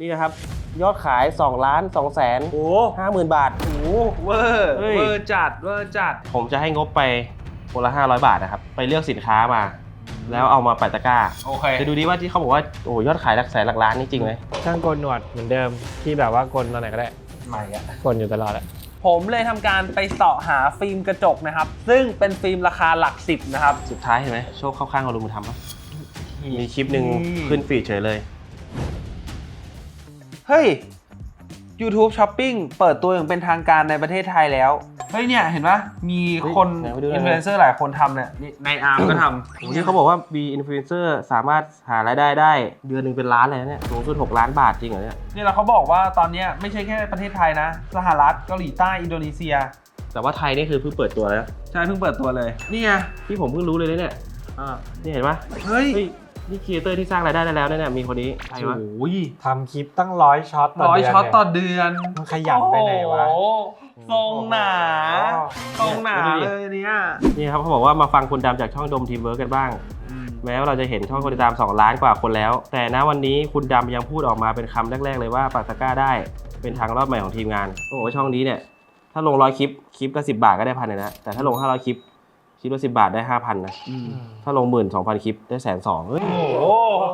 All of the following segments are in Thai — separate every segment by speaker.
Speaker 1: นี่นะครับยอดขาย2,250,000 บาท
Speaker 2: โอ้เวอร์จัด
Speaker 1: ผมจะให้งบไปคนละ500 บาทนะครับไปเลือกสินค้ามาแล้วเอามาปัดตะกร้า
Speaker 2: โอเค
Speaker 1: จะดูดีว่าที่เขาบอกว่าโอ้ยอดขายหลักแสนหลักล้านนี่จริงไหม
Speaker 3: ช่างโกนหนวดเหมือนเดิมที่แบบว่าโกนตอนไหนก็ได้
Speaker 2: ใหม่อะ
Speaker 3: โกนอยู่ตลอดแหละ
Speaker 2: ผมเลยทำการไปเสาะหาฟิล์มกระจกนะครับซึ่งเป็นฟิล์มราคาหลัก10นะครับ
Speaker 1: สุดท้ายเห็นไหมโชคเข้าข้างเราลุงบุญธรรมปะมีคลิปหนึ่งขึ้นฟีดเฉยเลย
Speaker 2: เฮ้ย YouTube Shopping เปิดตัวอย่างเป็นทางการในประเทศไทยแล้วเฮ้ยเนี่ยเห็นปะมีคน
Speaker 1: ไหนมาดูหน่อย
Speaker 2: อินฟลูเอนเซอร์หลายคนทำเนี่ยในอาร์มก็ทำ
Speaker 1: วันนี้เขาบอกว่า B influencer สามารถหารายได้ได้เดือนหนึ่งเป็นล้านเลยนะเนี่ยสูงสุด6 ล้านบาทจริงเหรอเนี่ย
Speaker 2: นี่เราเขาบอกว่าตอนนี้ไม่ใช่แค่ประเทศไทยนะสหรัฐเกาหลีใต้อินโดนีเซีย
Speaker 1: แต่ว่าไทยนี่คือเพิ่งเปิดตัวแล้ว
Speaker 2: ใช่เพิ่งเปิดตัวเลยนี่ไง
Speaker 1: ที่ผมเพิ่งรู้เลยนะเนี่ยนี่เห็นปะ
Speaker 2: เฮ้ย
Speaker 1: นี่ครีเอเตอร์ที่สร้างรายได้ได้แล้วเนี่ยมีคนนี้ใครวะ
Speaker 2: โอ้ย
Speaker 3: ทำคลิปตั้ง100 ช็อตต่อ
Speaker 2: 100
Speaker 3: เดือน
Speaker 2: ช็อต
Speaker 3: เนี่ย
Speaker 2: ต่อเดือน
Speaker 3: มันขยันไปไหนวะ
Speaker 2: โอ้โหทรงหนา
Speaker 3: โอ้โห
Speaker 2: ทรงหนาเลยเนี่ย
Speaker 1: นี่ครับเขาบอกว่ามาฟังคนดำจากช่องดมทีมเวิร์กกันบ้าง แม้ว่าเราจะเห็นช่องคนติดตาม2 ล้านกว่าคนแล้ว แต่ณวันนี้คุณดำยังพูดออกมาเป็นคำแรกๆเลยว่าปัดตะกร้าได้เป็นทางรอบใหม่ของทีมงานโอ้โหช่องนี้เนี่ยถ้าลง100 คลิปก็10 บาทก็ได้1,000เลยนะแต่ถ้าลง500 คลิปละ10 บาทได้ 5,000นะถ้าลง12,000 คลิปได้120,000เฮ้ย
Speaker 2: โอ้โห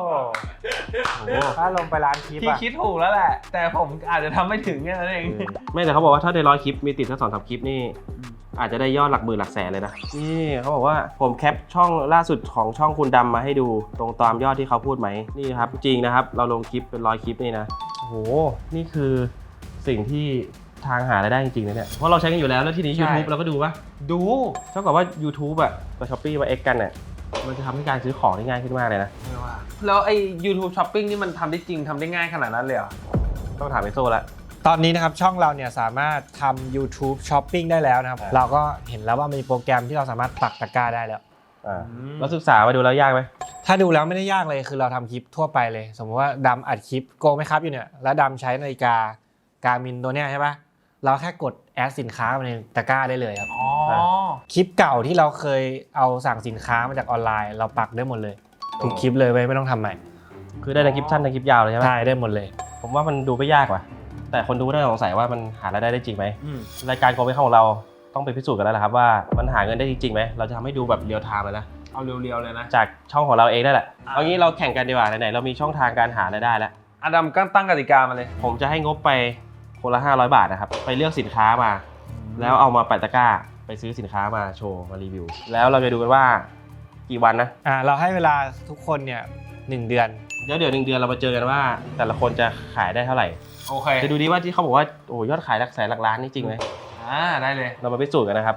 Speaker 3: ถ้าลงไปร้านคลิป
Speaker 2: พี่
Speaker 3: อะ
Speaker 2: คิดถูกแล้วแหละ แต่ผมอาจจะทำไม่ถึงแค่นั้นเอง
Speaker 1: ไม่แต่เขาบอกว่าถ้าได้100 คลิปมีติดสัก2-3 คลิปนี่อาจจะได้ยอดหลักหมื่นหลักแสนเลยนะนี่เขาบอกว่าผมแคปช่องล่าสุดของช่องคุณดำมาให้ดูตรงตามยอดที่เขาพูดไหมนี่ครับจริงนะครับเราลงคลิปเป็น100 คลิปนี่นะโอ้โหนี่คือสิ่งที่ทางหารายได้จริงๆนะเนี่ยเพราะเราใช้กันอยู่แล้วทีนี้
Speaker 2: ใช่
Speaker 1: YouTube เราก็ดูปะ
Speaker 2: ดู
Speaker 1: เท่ากับว่า YouTube อ่ะกับ Shopee มา X กันเนี่ยมันจะทำให้การซื้อของได้ง่ายขึ้นมากเลยนะ
Speaker 2: แล้วไอ้ YouTube Shopping นี่มันทำได้จริงทำได้ง่ายขนาดนั้นเลยเหรอ
Speaker 1: ต้องถามไอโซ่ละ
Speaker 3: ตอนนี้นะครับช่องเราเนี่ยสามารถทำ YouTube Shopping ได้แล้วนะครับเราก็เห็นแล้วว่ามีโปรแกรมที่เราสามารถปักตะกร้าได้แล้ว
Speaker 1: แล้วศึกษามาดูแล้วยากไหม
Speaker 3: ถ้าดูแล้วไม่ได้ยากเลยคือเราทำคลิปทั่วไปเลย สมมติว่าดำอัดคลิปโกงไหมครับอยู่เนี่ยแล้วดำใช้นาฬิกาการ์มินตัวเนี้ยใช่ปะเราแค่กดแอดสินค้ามาในตะกร้าได้เลยครับ
Speaker 2: อ๋อ
Speaker 3: คลิปเก่าที่เราเคยเอาสั่งสินค้ามาจากออนไลน์ เราปักได้หมดเลยทุกคลิปเลยไม่ต้องทำใหม่
Speaker 1: คือได้ในคลิปสั้นในคลิปยาวเลยใช่ไหม
Speaker 3: ได้ได้หมดเลย
Speaker 1: ผมว่ามันดูไม่ยากว่ะแต่คนดูน่าสงสัยว่ามันหารายได้ได้จริงไหม
Speaker 2: อืม
Speaker 1: รายการโกงไม่เข้าของเราต้องไปพิสูจน์กันแล้วแหละครับว่ามันหาเงินได้จริงๆไหมเราจะทำให้ดูแบบเรียลไทม์เลยนะ
Speaker 2: เอาเรียวๆเลยนะ
Speaker 1: จากช่องของเราเองนั่นแหละเอางี้เราแข่งกันดีกว่าไหนๆเรามีช่องทางการหารายได้แล้ว
Speaker 2: อดัมก็ตั้งกติกามาเลย
Speaker 1: ผมจะให้งบไปคนละ500 บาทนะครับไปเลือกสินค้ามา แล้วเอามาปัดตะกร้าไปซื้อสินค้ามาโชว์มารีวิวแล้วเราจะดูกันว่ากี่วันนะ
Speaker 3: เราให้เวลาทุกคนเนี่ย1 เดือน
Speaker 1: เดี๋ยว1 เดือนเรามาเจอกันว่าแต่ละคนจะขายได้เท่าไหร่
Speaker 2: โอเค
Speaker 1: จะดูดีว่าที่เขาบอกว่าโอ้ยอดขายหลักแสนหลักล้านนี่จริงไหม
Speaker 2: ได้เลย
Speaker 1: เรามาพิสูจน์กันนะครับ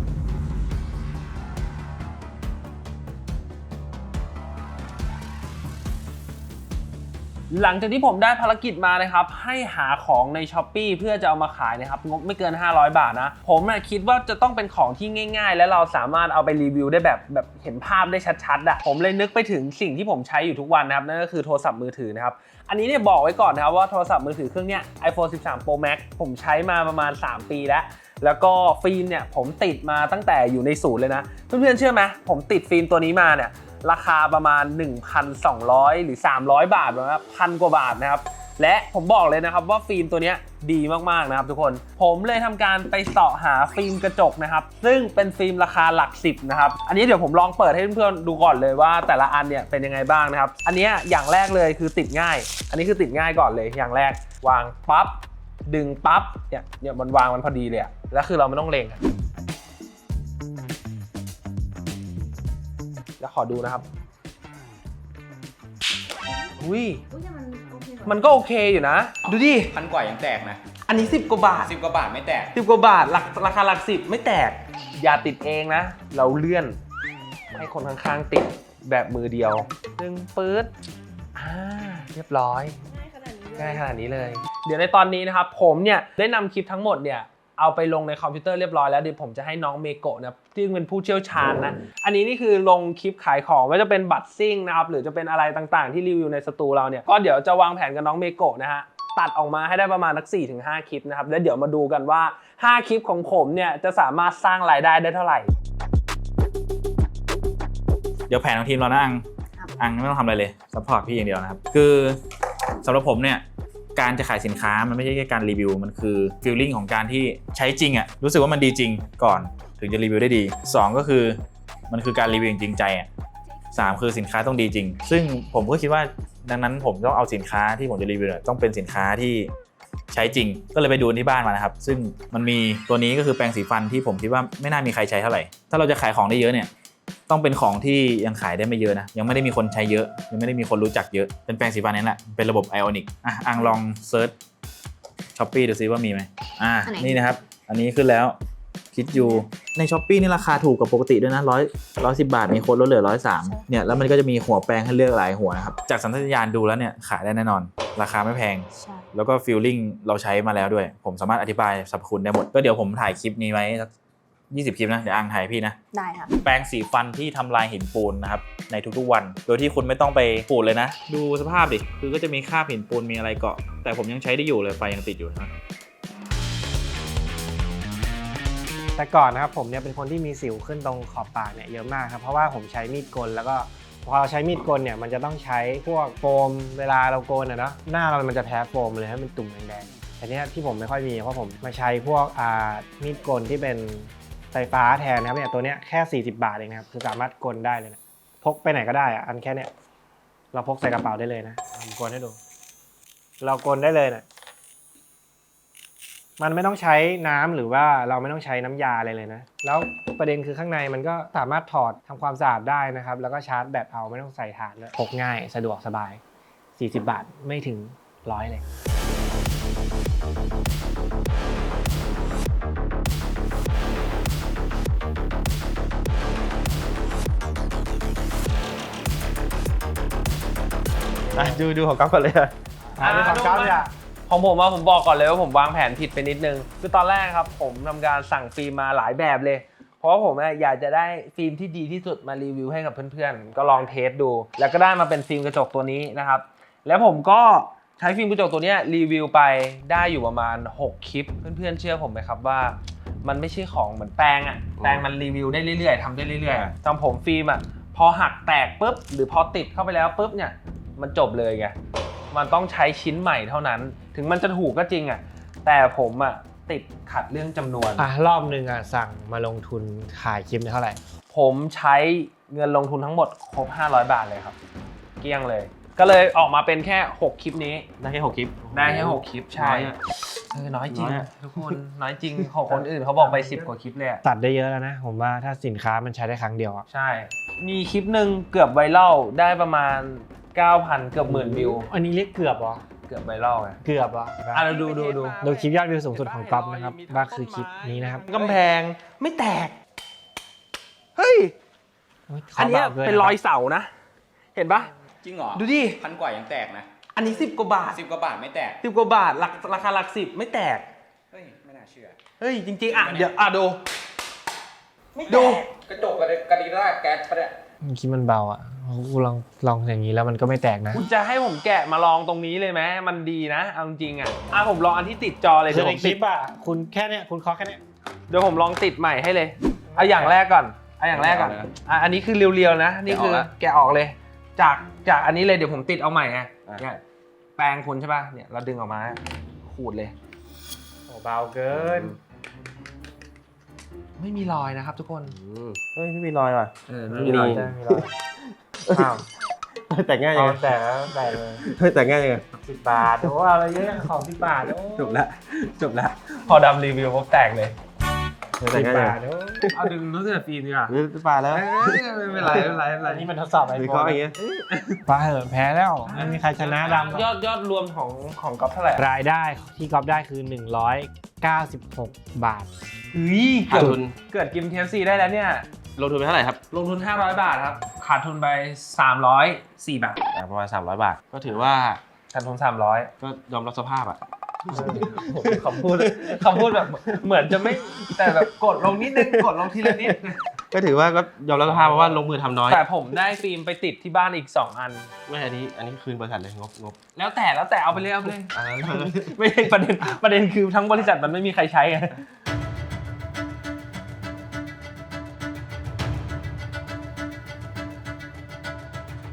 Speaker 2: หลังจากที่ผมได้ภารกิจมานะครับให้หาของใน Shopee เพื่อจะเอามาขายนะครับงบไม่เกิน500 บาทนะผมคิดว่าจะต้องเป็นของที่ง่ายๆ และเราสามารถเอาไปรีวิวได้แบบเห็นภาพได้ชัดๆอ่ะผมเลยนึกไปถึงสิ่งที่ผมใช้อยู่ทุกวันนะครับนั่นก็คือโทรศัพท์มือถือนะครับอันนี้เนี่ยบอกไว้ก่อนนะครับว่าโทรศัพท์มือถือเครื่องเนี้ย iPhone 13 Pro Max ผมใช้มาประมาณ3 ปีแล้วก็ฟิล์มเนี่ยผมติดมาตั้งแต่อยู่ในศูนย์เลยนะเพื่อนๆเชื่อไหมผมติดฟิล์มตัวนี้มาเนี่ยราคาประมาณ 1,200 หรือ 300 บาทนะครับ1,000 กว่าบาทนะครับและผมบอกเลยนะครับว่าฟิล์มตัวนี้ดีมากๆนะครับทุกคนผมเลยทำการไปเสาะหาฟิล์มกระจกนะครับซึ่งเป็นฟิล์มราคาหลัก10นะครับอันนี้เดี๋ยวผมลองเปิดให้เพื่อนๆดูก่อนเลยว่าแต่ละอันเนี่ยเป็นยังไงบ้างนะครับอันนี้อย่างแรกเลยคือติดง่ายอันนี้คือติดง่ายก่อนเลยอย่างแรกวางปั๊บดึงปั๊บเนี่ยมันวางมันพอดีเลยอะแล้วคือเราไม่ต้องเล็งแล้วขอดูนะครับอุ้ยมันก็โอเคอยู่นะดูดิ
Speaker 4: 1,000 กว่ายังแตกนะ
Speaker 2: อันนี้10 กว่าบาท
Speaker 4: 10 กว่าบาทไม่แตก
Speaker 2: 10 กว่าบาทราคาหลัก10ไม่แตกอย่าติดเองนะเราเลื่อนให้คนข้างๆติดแบบมือเดียวดึงปื๊ดเรียบร้อยง่ายขนาดนี้เลยเดี๋ยวในตอนนี้นะครับผมเนี่ยได้นำคลิปทั้งหมดเนี่ยเอาไปลงในคอมพิวเตอร์เรียบร้อยแล้วเดี๋ยวผมจะให้น้องเมโกะนะที่เป็นผู้เชี่ยวชาญนะอันนี้นี่คือลงคลิปขายของไม่ว่าจะเป็นบัตรซิ่งนะครับหรือจะเป็นอะไรต่างๆที่รีวิวในสตูเราเนี่ยก็เดี๋ยวจะวางแผนกับน้องเมโกะนะฮะตัดออกมาให้ได้ประมาณสัก 4-5 คลิปนะครับแล้วเดี๋ยวมาดูกันว่า5 คลิปของผมเนี่ยจะสามารถสร้างรายได้ได้เท่าไหร่
Speaker 4: เดี๋ยวแผนของทีมเรานะอังไม่ต้องทำอะไรเลยซัพพอร์ตพี่อย่างเดียวนะครับคือสำหรับผมเนี่ยการจะขายสินค้ามันไม่ใช่แค่การรีวิวมันคือฟีลลิ่งของการที่ใช้จริงอ่ะรู้สึกว่ามันดีจริงก่อนถึงจะรีวิวได้ดี2ก็คือมันคือการรีวิวจริงใจอ่ะ3คือสินค้าต้องดีจริงซึ่งผมก็คิดว่าดังนั้นผมต้องเอาสินค้าที่ผมจะรีวิวต้องเป็นสินค้าที่ใช้จริงก็เลยไปดูที่บ้านมานะครับซึ่งมันมีตัวนี้ก็คือแปรงสีฟันที่ผมคิดว่าไม่น่ามีใครใช้เท่าไหร่ถ้าเราจะขายของได้เยอะเนี่ยต้องเป็นของที่ยังขายได้ไม่เยอะนะยังไม่ได้มีคนใช้เยอะยังไม่ได้มีคนรู้จักเยอะเป็นแปรงสีฟันนั่นแหละเป็นระบบ Ionic อังลองเซิร์ช Shopee ดูซิว่ามีไหมนี่นะครับอันนี้ขึ้นแล้วคิดอยู่ใน Shopee นี่ราคาถูกกว่าปกติด้วยนะ110 บาทมีโค้ดลดเหลือ103เนี่ยแล้วมันก็จะมีหัวแปรงให้เลือกหลายหัวนะครับจากสัญชาตญาณดูแล้วเนี่ยขายได้แน่นอนราคาไม่แพงแล้วก็ฟีลลิ่งเราใช้มาแล้วด้วยผมสามารถอธิบายสรรพคุณได้หมดก็เดี๋ยวผมถ่ายคลิปนี้ไว้สัก20 คลิปนะเดี๋ยวอังถ่ายพี่นะ
Speaker 5: ได้ค่ะ
Speaker 4: แปรงสีฟันที่ทำลายหินปูนนะครับในทุกๆวันโดยที่คุณไม่ต้องไปขูดเลยนะดูสภาพดิคือก็จะมีคราบหินปูนมีอะไรเกาะแต่ผมยังใช้ได้อยู่เลยไฟยังติดอยู่นะ
Speaker 3: แต่ก่อนนะครับผมเนี่ยเป็นคนที่มีสิวขึ้นตรงขอบปากเนี่ยเยอะมากครับเพราะว่าผมใช้มีดกลแล้วก็พอเราใช้มีดกลเนี่ยมันจะต้องใช้พวกโฟมเวลาเราโกนอะเนาะหน้าเรามันจะแพ้โฟมเลยให้มันตุ่มแดงๆแต่เนี้ยที่ผมไม่ค่อยมีเพราะผมมาใช้พวกมีดกลที่เป็นไฟฟ้าแทนนะครับเนี่ยตัวเนี้ยแค่40 บาทเองนะครับคือสามารถกลได้เลยนะพกไปไหนก็ได้อะอันแค่เนี้ยเราพกใส่กระเป๋าได้เลยนะผมกลให้ดูเรากลได้เลยนะมันไม่ต้องใช้น้ำหรือว่าเราไม่ต้องใช้น้ำยาอะไรเลยนะแล้วประเด็นคือข้างในมันก็สามารถถอดทำความสะอาดได้นะครับแล้วก็ชาร์จแบตเอาไม่ต้องใส่ถ่านเลยพกง่ายสะดวกสบาย40 บาทไม่ถึง100เลย
Speaker 1: ดูของก๊อฟก่อนเลย
Speaker 3: ดูของก๊อฟเนี่ย
Speaker 2: ของผมผมบอกก่อนเลยว่าผมวางแผนผิดไปนิดนึงคือตอนแรกครับผมทำการสั่งฟิล์มมาหลายแบบเลยเพราะว่าผมอยากจะได้ฟิล์มที่ดีที่สุดมารีวิวให้กับเพื่อนๆก็ลองเทสดูแล้วก็ได้มาเป็นฟิล์มกระจกตัวนี้นะครับแล้วผมก็ใช้ฟิล์มกระจกตัวนี้รีวิวไปได้อยู่ประมาณ6 คลิปเพื่อนๆเชื่อผมไหมครับว่ามันไม่ใช่ของเหมือนแปรงอะแปรงมันรีวิวได้เรื่อยๆทำได้เรื่อยๆจำผมฟิล์มอะพอหักแตกปุ๊บหรือพอติดเข้าไปแล้วปุ๊บเนี่ยมันจบเลยไงมันต้องใช้ชิ้นใหม่เท่านั้นถึงมันจะถูกก็จริงอ่ะแต่ผมอ่ะติดขัดเรื่องจำนวน
Speaker 3: รอบนึงอ่ะสั่งมาลงทุนขายคลิปเท่าไหร่
Speaker 2: ผมใช้เงินลงทุนทั้งหมดครบ500 บาทเลยครับเกลี้ยงเลยก็เลยออกมาเป็นแค่6 คลิปนี้
Speaker 1: ได้แค่6 คลิป
Speaker 2: ได้แค่6 คลิปใช่น้อยจริงทุกคนน้อยจริงของคนอื่นเขาบอกไป10 กว่าคลิปเลย
Speaker 3: ตัดได้เยอะแล้วนะผมว่าถ้าสินค้ามันใช้ได้ครั้งเดียวอ่ะ
Speaker 2: ใช่มีคลิปนึงเกือบไวรัลได้ประมาณ9,000 เกือบ10,000 วิว
Speaker 3: อันนี้เรียกเกือบเหรอ
Speaker 2: เกือบไวรัลไง
Speaker 3: เกือบอ่ะ
Speaker 2: เราดู
Speaker 3: คลิปยอดวิวสูงสุดของก๊อฟนะครับว่าคือคลิปนี้นะครับ
Speaker 2: กำแพงไม่แตกเฮ้ยอันนี้เป็นรอยเสานะเห็นปะ
Speaker 4: จริงเหรอ
Speaker 2: ดูดิ
Speaker 4: 1,000 กว่ายังแตกนะ
Speaker 2: อันนี้10 กว่าบาท
Speaker 4: 10 กว่าบาทไม่แตก
Speaker 2: 10 กว่าบาทราคาหลัก10ไม่แตก
Speaker 4: เฮ้ยไม่น่าเชื่อ
Speaker 2: เฮ้ยจริงๆเดี๋ยวดู
Speaker 4: กระจกกระดิ่งได้แก๊สปะเนี่ย
Speaker 3: คิดมันเบาอ่ะกูลองอย่างนี้แล้วมันก็ไม่แตกนะ
Speaker 2: คุณจะให้ผมแกะมาลองตรงนี้เลยไหมมันดีนะเอาจริงผมลองอันที่ติดจอเลย
Speaker 3: เดี๋ยวผมคลิปอ่ะคุณแค่เนี้ยคุณเคาะแค่เนี้ย
Speaker 2: เดี๋ยวผมลองติดใหม่ให้เลยเอาอย่างแรกก่อนอันนี้คือเรียวๆนะนี่คือแกะออกเลยจากอันนี้เลยเดี๋ยวผมติดเอาใหม่เนี่ยแปรงคุณใช่ป่ะเนี่ยเราดึงออกมาขูดเลย
Speaker 3: โอ้เบาเกิน
Speaker 2: ไม่มีรอยนะครับทุกคน
Speaker 1: เฮ้ยไม่มีรอยว่ะ
Speaker 3: ไม่มีรอยอ้าว
Speaker 1: แต่ง่ายยังไง
Speaker 3: แต่เลย
Speaker 1: แต่ง่ายยังไง
Speaker 3: 10 บาทโอ้อะไรเยอะของ10 บาท
Speaker 1: จบละ
Speaker 2: พอดำรีวิวพบแตกเลย
Speaker 3: 10 บาท
Speaker 2: เอาดึงรู้สึกฟิล์มดีกว่า
Speaker 1: 10 บาทแล้ว
Speaker 2: ไม่เป็นไร
Speaker 3: นี่มันทดสอบไอโฟน
Speaker 1: อย่างเงี้ย
Speaker 3: ป้าเหอะแพ้แล้วไม่มีใครชนะดำ
Speaker 2: ยอดรวมของก๊อฟเท่าไหร่
Speaker 3: รายได้ที่ก๊อฟได้คือ196 บาท
Speaker 2: เกิดกิน KFC ได้แล้วเนี่ย
Speaker 1: ลงทุนไปเท่าไหร่ครับ
Speaker 2: ลงทุน500 บาทครับขาดทุนไป304 บาท
Speaker 1: ประมาณ300 บาทก็ถือว่า
Speaker 2: ขาดทุน300
Speaker 1: ก็ยอมรับสภาพอ่ะ
Speaker 2: คำพูดแบบเหมือนจะไม่แต่แบบกดลงนิดนึงกดลงทีละนิด
Speaker 1: ก็ถือว่าก็ยอมรับสภาพเพราะว่าลงมือทำน้อย
Speaker 2: แต่ผมได้ฟิล์มไปติดที่บ้านอีก2 อัน
Speaker 1: ไม่อันนี้คืนบริษัทเลยงบ
Speaker 2: แล้วแต่เอาไปเลยไม่ใช่ประเด็นคือทั้งบริษัทมันไม่มีใครใช้ไง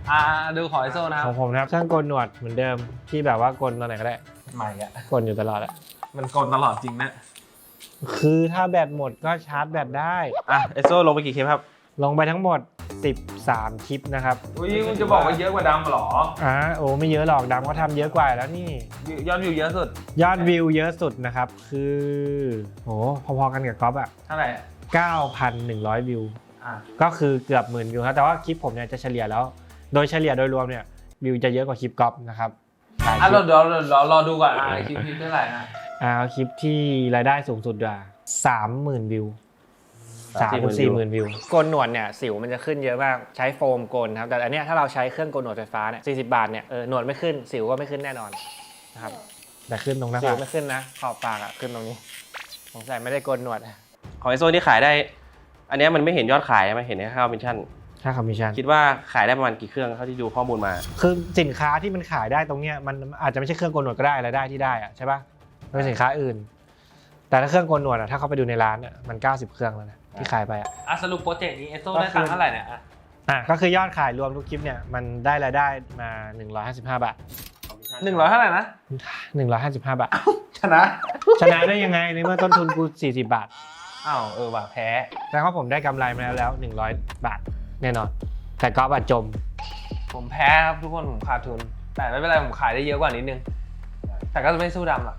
Speaker 2: ดูของไอโซนะค
Speaker 3: ข
Speaker 2: รั
Speaker 3: อบ งผมนะครับเครื่องโกนหนวดเหมือนเดิมที่แบบว่ากลตอนไหนก็ได้
Speaker 2: ใหม่อะ
Speaker 3: กลอยู่ตลอดอะ
Speaker 2: มันกดตลอดจริงนะ
Speaker 3: คือถ้าแบตหมดก็ชาร์จแบตได้
Speaker 1: อ่ะเอสโซลงไปกี่คลิปครับ
Speaker 3: ลงไปทั้งหมด 13 คลิปนะครับ
Speaker 2: อุ้ยคุณจะบอกว่าเยอะกว่าดำเหรอ
Speaker 3: โอ้ไม่เยอะหรอกดำเขาทำเยอะกว่าแล้วนี่
Speaker 2: ยอดวิวเยอะสุด
Speaker 3: ยอดวิวเยอะสุดนะครับ คือโหพอๆกันกับก๊อฟอะ
Speaker 2: เท่าไหร่
Speaker 3: 9,100 วิว
Speaker 2: อ่ะ
Speaker 3: ก็คือเกือบ10,000 วิวครับแต่ว่าคลิปผมเนี่ยจะเฉลี่ยแล้ว โดยเฉลี่ยโดยรวมเนี่ยวิวจะเยอะกว่าคลิปก๊อฟนะครับหลายคลิป
Speaker 2: เดี๋ยวรอดูก่อนคลิปเท่าไหร่นะ
Speaker 3: เอาคลิปที่รายได้สูงสุดดีกว่า30,000 วิว 30,000-40,000 วิวโกนหนวดเนี่ยสิวมันจะขึ้นเยอะมากใช้โฟมโกนครับแต่อันเนี้ยถ้าเราใช้เครื่องโกนหนวดไฟฟ้าเนี่ย40 บาทเนี่ยหนวดไม่ขึ้นสิวก็ไม่ขึ้นแน่นอนนะครับแต่ขึ้นตรงหน้าสิวไม่ขึ้นนะขอบปากอะขึ้นตรงนี้สงสัยไม่ได้โกนหนวด
Speaker 1: ของเอสโซที่ขายได้ อันเนี้ยมันไม่เห็นยอดขายมันเห็นแค่ค่าคอมมิชชั่น
Speaker 3: ค่าคอมมิชชั่น
Speaker 1: คิดว่าขายได้ประมาณกี่เครื่องเท่าที่ดูข้อมูลมา
Speaker 3: คือสินค้าที่มันขายได้ตรงเนี้ยมันอาจจะไม่ใช่เครื่องโกนหนวดก็ได้รายได้ที่ได้อะใช่ปะมันเป็นสินค้าอื่น แต่ถ้าเครื่องโกนหนวดอะถ้าเข้าไปดูในร้านอะมัน90 เครื่องแล้วนะที่ขายไปอะ
Speaker 2: สรุปโปรเจกต์นี้เอสโซได้ตังค์เท่าไหร่เนี่ย
Speaker 3: ก็คือยอดขายรวมทุกคลิปเนี่ยมันได้รายได้มา155 บาท
Speaker 2: 100เท่าไหร่นะ
Speaker 3: 155 บาท
Speaker 2: ชนะ
Speaker 3: ชนะได้ยังไงในเมื่อต้นทุนกู40 บาท
Speaker 2: ว่ะแพ้
Speaker 3: แต่ว่าผมได้กำไรมาแล้ว100 บาทแน่นอน แต่ก็บาดจม
Speaker 2: ผมแพ้ครับทุกคนผมขาดทุน แต่ไม่เป็นไรผมขายได้เยอะกว่านิดนึง แต่ก็จะไม่สู้ดำหรอก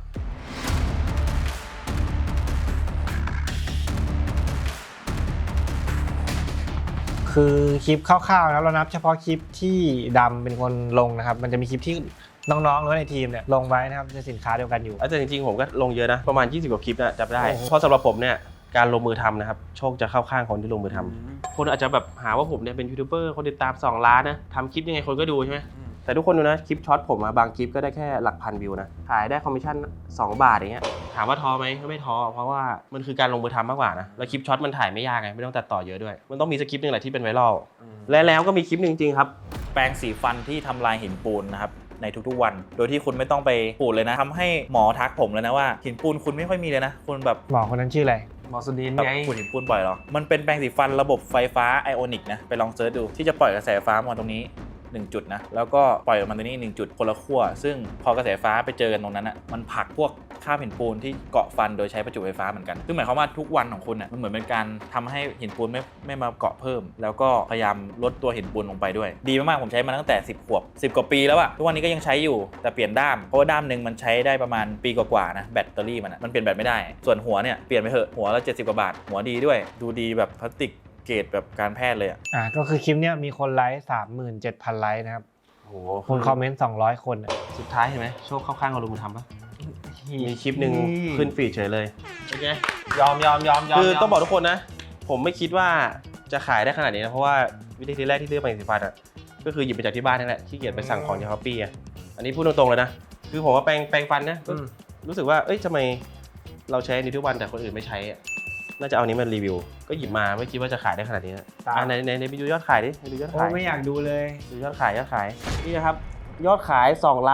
Speaker 3: คือคลิปคร่าวๆแล้วเรานับเฉพาะคลิปที่ดำเป็นคนลงนะครับมันจะมีคลิปที่น้องๆหรือในทีมเนี่ยลงไว้นะครับในสินค้าเดียวกันอยู่
Speaker 1: แต่จริงๆผมก็ลงเยอะนะประมาณ20กว่าคลิปนะจำได้
Speaker 3: โอ้โห
Speaker 1: เพราะสำหรับผมเนี่ยการลงมือทำนะครับโชคจะเข้าข้างคนที่ลงมือทำคนอาจจะแบบหาว่าผมเนี่ยเป็นยูทูบเบอร์คนติดตาม2 ล้านนะทำคลิปยังไงคนก็ดูใช่ไหมแต่ทุกคนดูนะคลิปช็อตผมบางคลิปก็ได้แค่หลักพันวิวนะขายได้คอมมิชชั่น2 บาทอย่างเงี้ยถามว่าท้อไหมก็ไม่ท้อเพราะว่ามันคือการลงมือทำมากกว่านะแล้วคลิปช็อตมันถ่ายไม่ยากไงไม่ต้องตัดต่อเยอะด้วยมันต้องมีสคริปต์นึงแหละที่เป็นไวรัลแล้วก็มีคลิปนึงจริงๆครับ
Speaker 4: แปรงสีฟันที่ทำลายหินปูนนะครับในทุกๆวัน โดยที่คุณไม่ต้องไปปูดเลยนะทำให้หมอทักผมเลยนะว่าหินปูนคุณไม่ค่อยมีเลยนะคุณแบบ
Speaker 3: หมอคนนั้นชื่ออะไร
Speaker 2: หมอสุดิน
Speaker 4: แบบ
Speaker 2: ไง
Speaker 4: ปูดหินปูนบ่อยเหรอมันเป็นแปรงสีฟันระบบไฟฟ้าไอออนิกนะไปลองเซิร์ชดูที่จะปล่อยกระแสไฟฟ้ามาตรงนี้1 จุดนะแล้วก็ปล่อยออกมาตรงนี้1 จุดคนละขั้วซึ่งพอกระแสไฟฟ้าไปเจอกันตรงนั้นอ่ะมันผลักพวกคราบหินปูนที่เกาะฟันโดยใช้ประจุไฟฟ้าเหมือนกันซึ่งหมายความว่าทุกวันของคุณอ่ะมันเหมือนเป็นการทำให้หินปูนไม่มาเกาะเพิ่ม แล้วก็พยายามลดตัวหินปูนลงไปด้วยดีมากๆผมใช้มาตั้งแต่10 ขวบ10 กว่าปีแล้วอะทุกวันนี้ก็ยังใช้อยู่แต่เปลี่ยนด้ามเพราะว่าด้ามหนึ่งมันใช้ได้ประมาณปีกว่าๆนะแบตเตอรี่มันเปลี่ยนแบตไม่ได้ส่วนหัวเนี่ยเปลี่ยนไปเถอะหัวละ70 กว่าบาทหัวดีด้วยดูดีแบบพลาสติกเกรดแบบการแพทย์เลยอะ
Speaker 3: ก็คือคลิปเนี้ยมีคนไลค์ 37,000 ไลค์นะครับ
Speaker 1: โอ้โห
Speaker 3: คนคอมเมนต์200 คนอะ
Speaker 1: สุดท้ายเห็นไหมโชคเข้าข้างคนลงมือทำปะมีคลิปหนึ่งขึ้นฟีดเฉยเลยโอเค
Speaker 2: ยอม
Speaker 1: คือต้องบอกทุกคนนะ ผมไม่คิดว่าจะขายได้ขนาดนี้นะเพราะว่าวิธีแรกที่เลือกแปรงสีฟันอ่ะก็คือหยิบมาจากที่บ้านนี่แหละขี้เกียจไปสั่งของจากช้อปปี้อ่ะอันนี้พูดตรงๆเลยนะคือผมว่าแปรงฟันนะก็รู้สึกว่าเอ้ยทำไมเราใช้นี้ทุกวันแต่คนอื่นไม่ใช้อ่ะน่าจะเอานี้มารีวิวก็หยิบมาไม่คิดว่าจะขายได้ขนาดนี้นะในไปดูยอดขายดิไปดูยอด
Speaker 3: โอ้
Speaker 1: ขาย
Speaker 3: ไม่อยากดูเลย
Speaker 1: ดูยอดขายนี่นะครับยอดขาย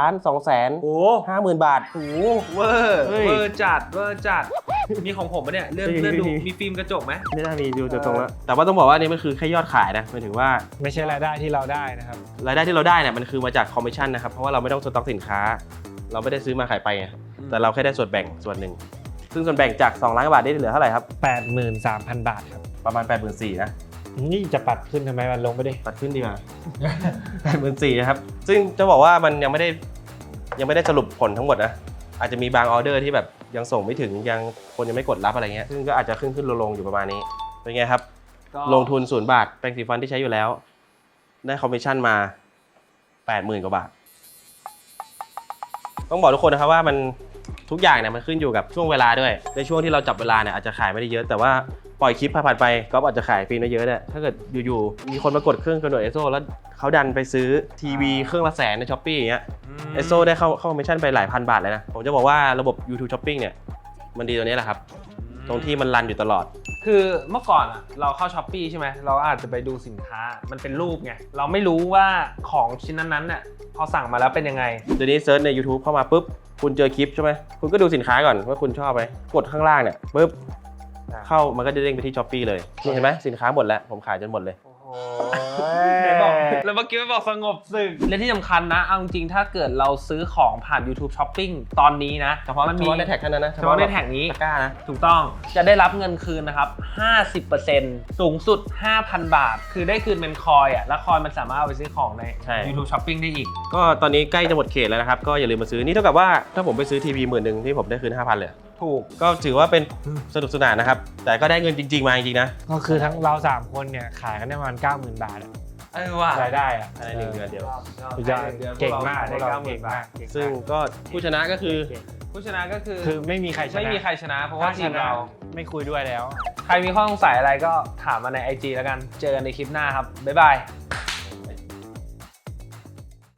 Speaker 1: 2,250,000 บาท
Speaker 2: โอ้เวอร์จัดมีของผมปะเนี่ยเลื่อนดูมีฟิล์มกระจกไหม
Speaker 1: ไม่น่ามีดูตรงๆแล้วแต่ว่าต้องบอกว่านี่มันคือแค่ยอดขายนะหมายถึงว่า
Speaker 3: ไม่ใช่รายได้ที่เราได้นะครับ
Speaker 1: รายได้ที่เราได้เนี่ยมันคือมาจากคอมมิชชั่นนะครับเพราะว่าเราไม่ต้องสต็อกสินค้า เราไม่ได้ซื้อมาขายไปไงแต่เราแค่ได้ส่วนแบ่งส่วนหนึ่งซึ่งส่วนแบ่งจาก2 ล้านบาทได้เหลือเท่าไหร่ครับ
Speaker 3: 83,000 บาทครับ
Speaker 1: ประมาณ 84,000 นะ
Speaker 3: นี่จะปัดขึ้นทำไมมันลงไปดิ
Speaker 1: ตัดขึ้นดีกว่า 84,000 นะครับซึ่งจะบอกว่ามันยังไม่ได้สรุปผลทั้งหมดนะอาจจะมีบางออเดอร์ที่แบบยังส่งไม่ถึงยังคนยังไม่กดรับอะไรเงี้ยซึ่งก็อาจจะขึ้นลงอยู่ประมาณนี้เป็นไงครับลงทุน0 บาทแปรงสีฟันที่ใช้อยู่แล้วได้คอมมิชชั่นมา 80,000 กว่าบาทต้องบอกทุกคนนะครับว่ามันทุกอย่างเนี่ยมันขึ้นอยู่กับช่วงเวลาด้วยในช่วงที่เราจับเวลาเนี่ยอาจจะขายไม่ได้เยอะแต่ว่าปล่อยคลิปผ่านไปก็อาจจะขายฟรีได้เยอะเนี่ยถ้าเกิดอยู่ๆมีคนมากดเครื่องกระโดดเอสโซแล้วเขาดันไปซื้อทีวีเครื่องละ100,000ในช้อปปี้อย่างเงี้ยเอสโซได้เข้าคอมมิชชั่นไปหลายพันบาทเลยนะผมจะบอกว่าระบบ YouTube Shopping เนี่ยมันดีตรงนี้แหละครับตรงที่มันรันอยู่ตลอด
Speaker 2: คือเมื่อก่อนอะเราเข้าช้อปปี้ใช่ไหมเราอาจจะไปดูสินค้ามันเป็นรูปไงเราไม่รู้ว่าของชิ้นนั้นๆเนี่ยพอสั่งมาแล้วเป็นยังไง
Speaker 1: เดี๋ยวนี้เซิร์ชใน YouTube เข้ามาปุ๊บคุณเจอคลิปใช่ไหมคุณก็ดูสินค้าก่อนว่าคุณชอบไหมกดข้างล่างเนี่ยปุ๊บเข้ามันก็จะเด้งไปที่ Shopee เลยนี่เห็นไหมสินค้าหมดแล้วผมขายจนหมดเลย
Speaker 2: โอ้โหไหนบอกแล้วเมื่อกี้ไม่บอกสงบศึกและที่สำคัญนะเอาจริงๆถ้าเกิดเราซื้อของผ่าน YouTube Shopping ตอนนี้นะ
Speaker 1: เฉพาะ
Speaker 2: มัน
Speaker 1: เฉ
Speaker 2: มี
Speaker 1: พาะในแท็กเท่านั้นนะ
Speaker 2: เฉพาะในแท็กนี้
Speaker 1: ตะกร้านะ
Speaker 2: ถูกต้องจะได้รับเงินคืนนะครับ 50% สูงสุด 5,000 บาท คือได้คืนเป็นคอยอ่ะแล้วคอยมันสามารถเอาไปซื้อของใน
Speaker 1: ใช่
Speaker 2: YouTube Shopping ได้อีก
Speaker 1: ก็ตอนนี้ใกล้จะหมดเขตแล้วนะครับ ก็อย่าลืมมาซื้อ นี่เท่ากับว่าถ้าผมไปซื้อทีวี10,000ที่ผมได้คืน 5,000 เลย
Speaker 2: ถูก
Speaker 1: ก็ถือว่าเป็นสนุกสนานนะครับ แต่ก็ได้เงินจริง ๆ มาจริงๆนะ
Speaker 3: ก็คือทั้งเรา3คนเนี่ยขายกันได้ประมาณ 90,000 บาทอะ
Speaker 2: ว่ะ
Speaker 3: รายได้อะ
Speaker 1: ภายใน1 เดือนเดียว
Speaker 3: สุดยอดเก่งมาก
Speaker 2: ได้
Speaker 3: พวเรา
Speaker 2: 90,000
Speaker 3: เก่งมาก
Speaker 1: ซึ่งก็ผู้ชนะก็คือ
Speaker 2: ผู้ชนะก็คือ
Speaker 3: คือไม่มีใครชนะ
Speaker 2: ไม่มีใครชนะ เพราะว่าทีมเรา
Speaker 3: ไม่คุยด้วยแล้ว
Speaker 2: ใครมีข้อสงสัยอะไรก็ถามมาใน IG แล้วกัน เจอกันในคลิปหน้าครับ บ๊ายบาย